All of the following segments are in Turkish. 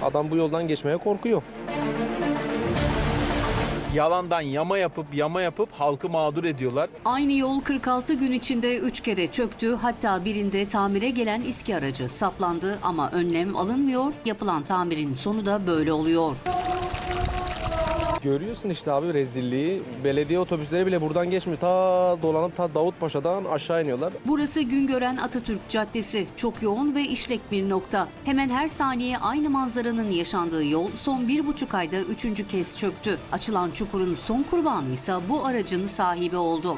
Adam bu yoldan geçmeye korkuyor. Yalandan yama yapıp halkı mağdur ediyorlar. Aynı yol 46 gün içinde 3 kere çöktü. Hatta birinde tamire gelen İSKİ aracı saplandı ama önlem alınmıyor. Yapılan tamirin sonu da böyle oluyor. Görüyorsun işte abi rezilliği. Belediye otobüsleri bile buradan geçmiyor. Dolanıp Davutpaşa'dan aşağı iniyorlar. Burası Güngören Atatürk Caddesi. Çok yoğun ve işlek bir nokta. Hemen her saniye aynı manzaranın yaşandığı yol son 1,5 ayda 3. kez çöktü. Açılan çukurun son kurbanı ise bu aracın sahibi oldu.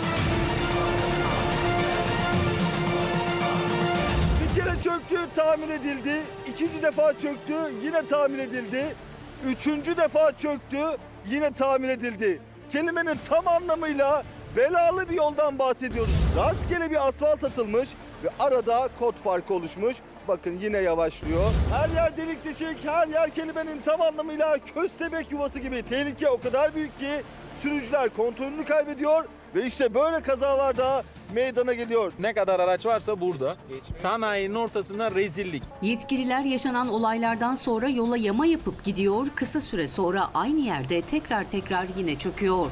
Bir kere çöktü, tamir edildi. İkinci defa çöktü, yine tamir edildi. Üçüncü defa çöktü, yine tamir edildi. Kelimenin tam anlamıyla belalı bir yoldan bahsediyoruz. Rastgele bir asfalt atılmış ve arada kod farkı oluşmuş. Bakın yine yavaşlıyor. Her yer delik deşik, her yer kelimenin tam anlamıyla köstebek yuvası gibi. Tehlike o kadar büyük ki sürücüler kontrolünü kaybediyor ve işte böyle kazalarda meydana geliyor. Ne kadar araç varsa burada. Sanayinin ortasında rezillik. Yetkililer yaşanan olaylardan sonra yola yama yapıp gidiyor. Kısa süre sonra aynı yerde tekrar yine çöküyor.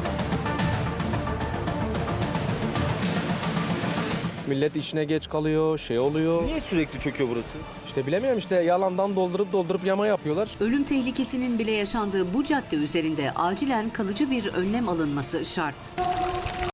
Millet işine geç kalıyor, şey oluyor. Niye sürekli çöküyor burası? İşte bilemiyorum işte yalandan doldurup yama yapıyorlar. Ölüm tehlikesinin bile yaşandığı bu cadde üzerinde acilen kalıcı bir önlem alınması şart.